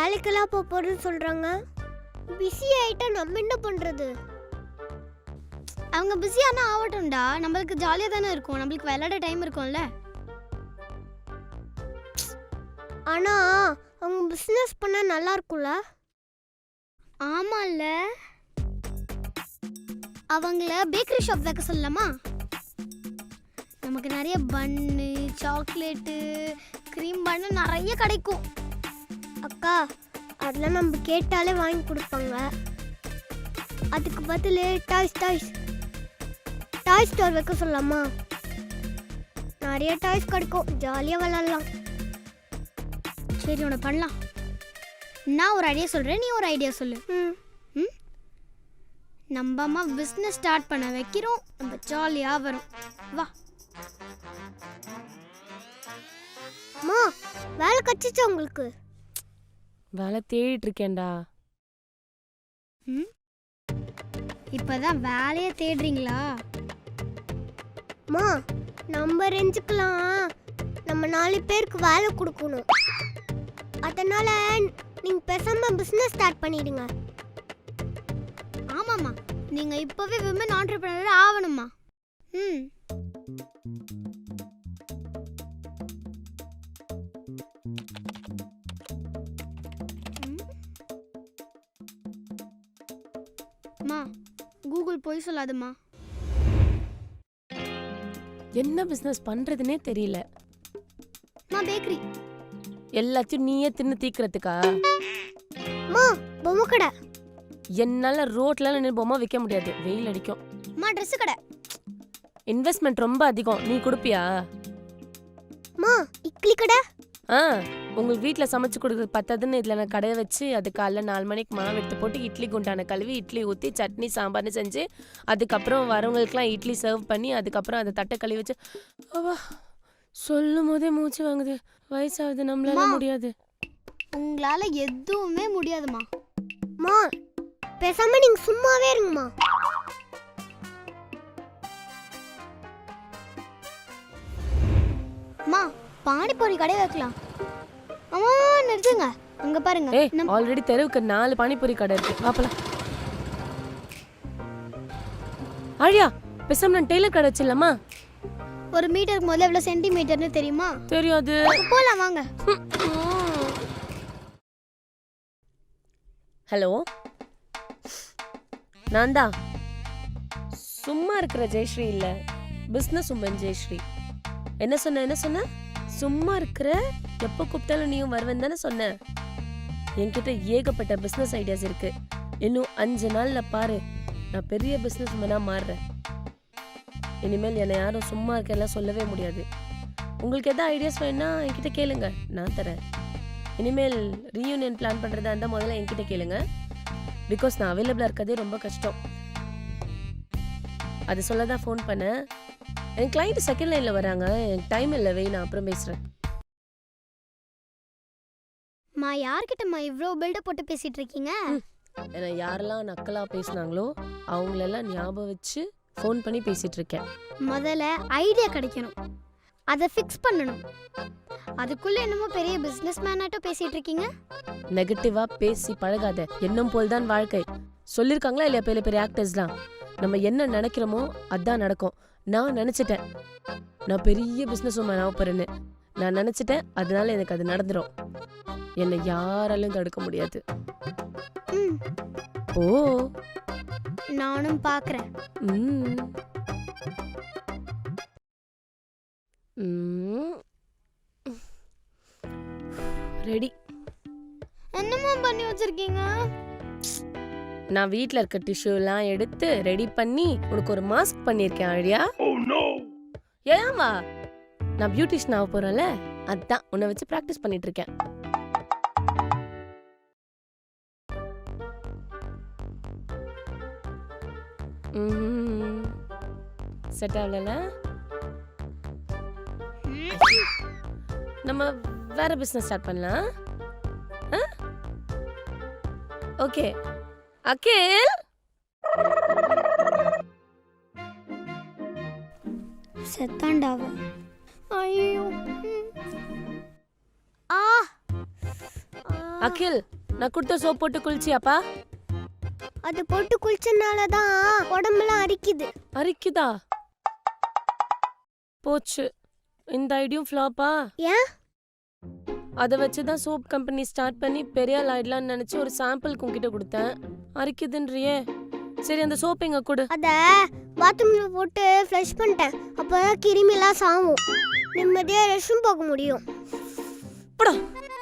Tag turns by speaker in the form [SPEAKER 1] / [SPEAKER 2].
[SPEAKER 1] வேலைக்கெல்லாம் போறேன்னு சொல்றாங்க. பிஸி ஆயிட்டா நம்ம என்ன பண்றது?
[SPEAKER 2] அவங்க பிஸியானா ஆகட்டும்டா, நம்மளுக்கு ஜாலியாக தானே இருக்கும், நம்மளுக்கு விளையாட டைம் இருக்கும்ல.
[SPEAKER 1] ஆனா அவங்க பிசினஸ் பண்ணா நல்லா இருக்கும்ல.
[SPEAKER 2] ஆமாம்ல, அவங்கள பேக்கரி ஷாப் வைக்க சொல்லலாமா? நமக்கு நிறைய பன்னு, சாக்லேட்டு, க்ரீம் பன்னு நிறைய கிடைக்கும்.
[SPEAKER 1] அக்கா, அதெல்லாம் நம்ம கேட்டாலே வாங்கி கொடுப்பாங்க. அதுக்கு பதில் டாய் ஸ்டோர் வைக்க சொல்லலாமா? நிறைய டாய்ஸ் கிடைக்கும், ஜாலியாக விளாட்லாம்.
[SPEAKER 2] சரி, உன்னை பண்ணலாம். நான் ஒரு ஐடியா சொல்கிறேன், நீ ஒரு ஐடியா சொல்லு. ம், நம்ம அம்மா பிஸ்னஸ் ஸ்டார்ட் பண்ண வைக்கிறோம், நம்ம ஜாலியாக வரும். வா.
[SPEAKER 1] அம்மா, வேலை கச்சிச்சா உங்களுக்கு?
[SPEAKER 3] வேலை தேடிட்டு இருக்கேன்டா.
[SPEAKER 2] ம், இப்போதான் வேலையை தேடுறீங்களா?
[SPEAKER 1] அம்மா, நம்ம ரேஞ்சுக்கெல்லாம் நம்ம 4 பேருக்கு வேலை கொடுக்கணும். அதனால நீங்க பேசாம பிசினஸ் ஸ்டார்ட் பண்ணிடுங்க.
[SPEAKER 2] ஆமாம்மா, நீங்கள் இப்போவே விமன் ஆண்டர்பிரினர் ஆகணுமா? ம், அம்மா, கூகுள் போய் சொல்லாதம்மா.
[SPEAKER 3] என்ன பிசினஸ் பண்றதுனே தெரியல.
[SPEAKER 2] நான் பேக்கரி.
[SPEAKER 3] எல்லாத்தையும் நீயே தின்னு தீக்கிறதுக்கா?
[SPEAKER 1] அம்மா, பொம்மை கடை.
[SPEAKER 3] என்னால ரோட்ல நின்று பொம்மை விற்க முடியாது, வெயில் அடிக்கும்.
[SPEAKER 2] அம்மா, ட்ரெஸ் கடை.
[SPEAKER 3] இன்வெஸ்ட்மெண்ட் ரொம்ப அதிகம், நீ கொடுப்பியா?
[SPEAKER 1] அம்மா, இட்லி கடை.
[SPEAKER 3] உங்களுக்கு வீட்டில் சமைச்சு கொடுக்குறது பத்தாதுன்னு இதில் நான் கடையை வச்சு அது காலைல 4 மணிக்கு மாவு எடுத்து போட்டு இட்லி குண்டான கழுவி இட்லி ஊற்றி சட்னி சாம்பார்னு செஞ்சு அதுக்கப்புறம் வரவங்களுக்குலாம் இட்லி சர்வ் பண்ணி அதுக்கப்புறம் அதை தட்டை கழுவி வச்சு சொல்லும் போதே மூச்சு வாங்குது. வயசாகுது, நம்மளால முடியாது.
[SPEAKER 2] உங்களால எதுவுமே முடியாதுமா.
[SPEAKER 1] அம்மா, பேசாம நீங்க சும்மாவே இருங்கம்மா.
[SPEAKER 2] அம்மா, பானிபூரி கடை வைக்கலாம். அம்மா, நிறுத்துங்க, அங்க பாருங்க.
[SPEAKER 3] ஆல்ரெடி தெருவுக்கு 4 பானிபூரி கடை இருக்கு, பாப்பலாம். ஆழியா, பேசாம நான் டெய்லர் கடை வச்சிடலாமா?
[SPEAKER 2] ஒரு மீட்டருக்கு முதல்ல எவ்வளவு சென்டிமீட்டர்னு தெரியுமா?
[SPEAKER 3] தெரியாது.
[SPEAKER 2] போலாம் வாங்க.
[SPEAKER 3] ஹலோ, நான் தான். சும்மா இருக்கிற ஜெயஸ்ரீ இல்ல, பிசினஸ் உமன் ஜெயஸ்ரீ. என்ன சொன்ன? சும்மா இருக்கிற, எப்போ கூப்பிட்டாலும் நீயும் வருவேன் தானே சொன்ன. என்கிட்ட ஏகப்பட்ட பிசினஸ் ஐடியாஸ் இருக்கு. இன்னும் 5 நாள்ல பாரு, நான் பெரிய பிசினஸ் உமனா மாறுறேன். இனிமேல் என்னை யாரும் சும்மா இருக்கெல்லாம் சொல்லவே முடியாது. உங்களுக்கு எதாவது ஐடியாஸ் வேணும்னா என்கிட்ட கேளுங்க, நான் தரேன். இனிமேல் ரீயூனியன் பிளான் பண்றதா இருந்தால் முதல்ல என்கிட்ட கேளுங்க. பிகாஸ் நான் அவைலபிளா இருக்கதே ரொம்ப கஷ்டம். அது சொல்லதான் ஃபோன் பண்ணேன். என் கிளைண்ட் செகண்ட் லைன்ல வராங்க, எனக்கு டைம் இல்லை, வை, நான் அப்புறம் பேசுறேன்.
[SPEAKER 2] மா, யார்கிட்டம்மா இவ்வளோ பில்டப் போட்டு பேசிட்டு இருக்கீங்க?
[SPEAKER 3] ஏன்னா யாரெல்லாம் நக்கலா பேசினாங்களோ அவங்களெல்லாம் ஞாபகம் வச்சு ஃபோன் பண்ணி பேசிட்டு இருக்கேன்.
[SPEAKER 2] முதல்ல ஐடியா கிடைக்கணும், அதை ஃபிக்ஸ் பண்ணணும். அதுக்குள்ள என்னமோ பெரிய பிசினஸ் மேனாட்டும் பேசிட்டு இருக்கீங்க.
[SPEAKER 3] நெகட்டிவா பேசி பழகாத, எண்ணம் போல் தான் வாழ்க்கை. சொல்லியிருக்காங்களா இல்லையா பெரிய பெரிய ஆக்டர்ஸ்லாம்? நம்ம என்ன நினைக்கிறோமோ அதான் நடக்கும். நான் நினைச்சிட்டேன் நான் பெரிய பிசினஸ் உமன் ஆக போறேன்னு. நான் நினைச்சிட்டேன், அதனால எனக்கு அது நடந்துரும். என்னை யாராலையும் தடுக்க முடியாது. ஓ,
[SPEAKER 2] நானும் பாக்குறேன்.
[SPEAKER 3] ரெடி.
[SPEAKER 2] என்னமா பண்ணி வச்சிருக்கீங்க?
[SPEAKER 3] நான் வீட்ல இருக்க டிஷ்யூ எல்லாம் எடுத்து ரெடி பண்ணி உனக்கு ஒரு மாஸ்க் பண்ணிருக்கேன். ஆழியா, ஏன்வா? நான் பியூட்டிஷியன் ஆக போறேன்ல, அதான் உன்னை வச்சு பிராக்டிஸ் பண்ணிட்டு இருக்கேன். செட் ஆகல. நம்ம வேற பிசினஸ் ஸ்டார்ட் பண்ணலாம். ஓகே அகில்.
[SPEAKER 2] செத்தாண்டாவா? ஐயோ.
[SPEAKER 3] அகில் நான் கொடுத்த சோப் போட்டு குளிச்சியாப்பா?
[SPEAKER 1] அது போட்டு குளிச்சனால தான் உடம்பெல்லாம் அரிக்குது.
[SPEAKER 3] அரிக்குதா? போச்சு, இந்த ஐடியும் ஃப்ளாப்பா?
[SPEAKER 1] ஏன்?
[SPEAKER 3] அதை வச்சு தான் சோப் கம்பெனி ஸ்டார்ட் பண்ணி பெரிய ஆள் ஆயிடலாம்னு நினச்சி ஒரு சாம்பிள் உங்ககிட்ட கொடுத்தேன். அரிக்குதுன்றியே. சரி அந்த சோப் எங்க கொடு.
[SPEAKER 1] அத பாத்ரூம்ல போட்டு ஃப்ளஷ் பண்ணிட்டேன். அப்பதான் கிருமிலாம் சாவும். நிம்மதியா ரெஸ்ட் ரூம் போக முடியும்.
[SPEAKER 3] போடா.